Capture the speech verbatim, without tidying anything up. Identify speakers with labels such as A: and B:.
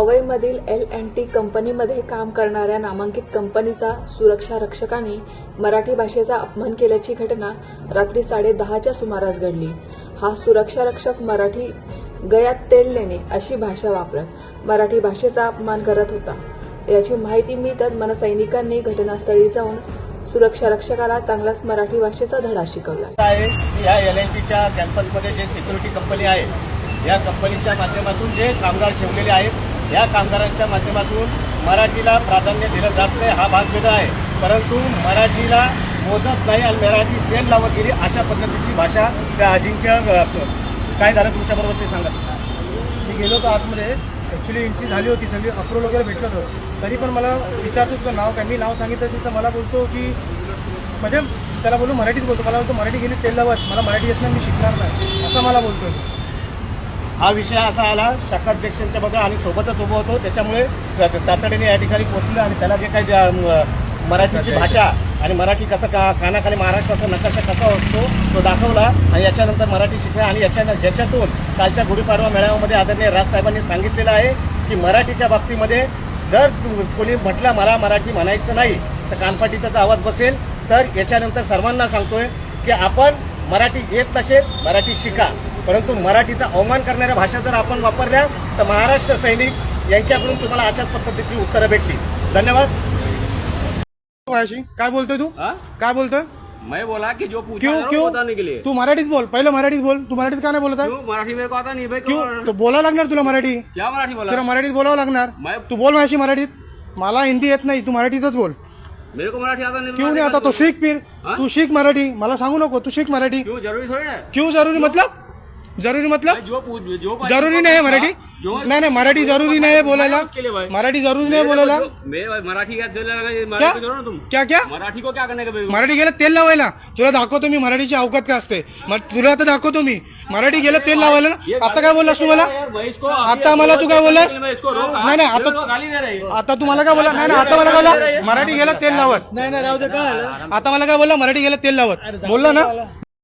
A: पवईमधील L and T कंपनीमध्ये काम करणाऱ्या नामांकित कंपनीचा सुरक्षा रक्षकांनी मराठी भाषेचा अपमान केल्याची घटना रात्री साडे दहाच्या सुमारास घडली। हा सुरक्षा रक्षक मराठी गयात तेल लेणे अशी भाषा वापरत मराठी भाषेचा अपमान करत होता। याची माहिती मिळताच मनसैनिकांनी घटनास्थळी जाऊन सुरक्षा रक्षकाला चांगलाच मराठी भाषेचा धडा शिकवला
B: आहे। या एल अँड टीच्या कॅम्पसमध्ये जे सिक्युरिटी कंपनी आहे, या कंपनीच्या माध्यमातून जे कामगार ठेवलेले आहेत, या कामगारांच्या माध्यमातून मराठीला प्राधान्य दिलं जात नाही हा भाग वेगळा आहे, परंतु मराठीला मोजत नाही आणि मराठी तेल लावत गेली अशा पद्धतीची भाषा त्या अजिंक्य काय झालं तुमच्याबरोबर ते सांगा।
C: मी गेलो होतो आतमध्ये, ॲक्च्युली एंट्री झाली होती, सगळी अप्रूव्हल वगैरे भेटलं होतं, तरी पण मला विचारतो तुझं नाव काय, मी नाव सांगितलं असेल तर मला बोलतो की म्हणजे त्याला बोलू मराठीत बोलतो, मला बोलतो मराठी गेली तेल लावत, मला मराठी येत नाही, मी शिकणार नाही असं मला बोलतो।
B: हा विषय असा आला शाखाध्यक्षांच्या बघा आणि सोबतच उभं होतो, त्याच्यामुळे तातडीने या ठिकाणी पोहोचलं आणि त्याला जे काही मराठीची भाषा आणि मराठी कसं का कानाखाली महाराष्ट्राचा नकाशा कसा असतो तो दाखवला आणि याच्यानंतर मराठी शिकला आणि याच्या ज्याच्यातून कालच्या गुढीपाडवा मेळाव्यामध्ये आदरणीय राजसाहेबांनी सांगितलेलं आहे की मराठीच्या बाबतीमध्ये जर कोणी म्हटलं मला मराठी म्हणायचं नाही तर कानपाटीचा आवाज बसेल। तर याच्यानंतर सर्वांना सांगतोय की आपण मराठी येत नसेल मराठी शिका, परंतु मराठीचा अवमान करणाऱ्या भाषा जर आपण वापरल्या तर महाराष्ट्र सैनिक यांच्याकडून तुम्हाला अशाच पद्धतीची उत्तरं भेटली। धन्यवाद।
C: काय बोलतोय तू? काय बोलतोय?
D: मैं बोला कि जो पूछा
C: क्यों क्यों
D: बताने के लिए
C: तू मराठीत बोल, पहले मराठीत बोल। तू मराठीत का नाही बोलत आहे?
D: क्यों मराठी मेरे को आता नहीं भाई,
C: क्यों? तो बोलावं लागणार तुला मराठी,
D: क्या मराठी बोला?
C: तुला मराठीत बोलावं लागणार।
D: मैं
C: तू बोल माझी मराठीत, मला हिंदी येत नाही, तू मराठीतच बोल।
D: मेरे को मराठी आता नहीं।
C: क्यों नहीं आता? तो सीख फिर, तू सीख मराठी, मला सांगू नको, तू सीख मराठी।
D: क्यों जरूरी थोड़ी है?
C: क्यों जरूरी मतलब? जरूरी मतलब
D: जो पूछ- जो
C: जरूरी नाही आहे मराठी, नाही नाही मराठी जरूरी नाही आहे बोलायला, मराठी जरूरी नाही बोलायला।
D: मैं मराठी क्या
C: क्या
D: मराठी को तुम
C: क्या क्या
D: मराठी को क्या करने का मेरे को?
C: मराठी गेलं तेल लावायला, तुला दाखवतो मी मराठीची अवकात काय असते, मग तुला आता दाखवतो मी मराठी गेलं तेल लावायला ना। आता काय बोललास तू मला? आता मला तू काय बोललास? नाही नाही आता आता तू मला काय बोला? नाही नाही आता मला काय बोला? मराठी गेलं तेल लावत, नाही नाही राहू दे, काय आता मला काय बोलला? मराठी गेलं तेल लावत बोलला ना।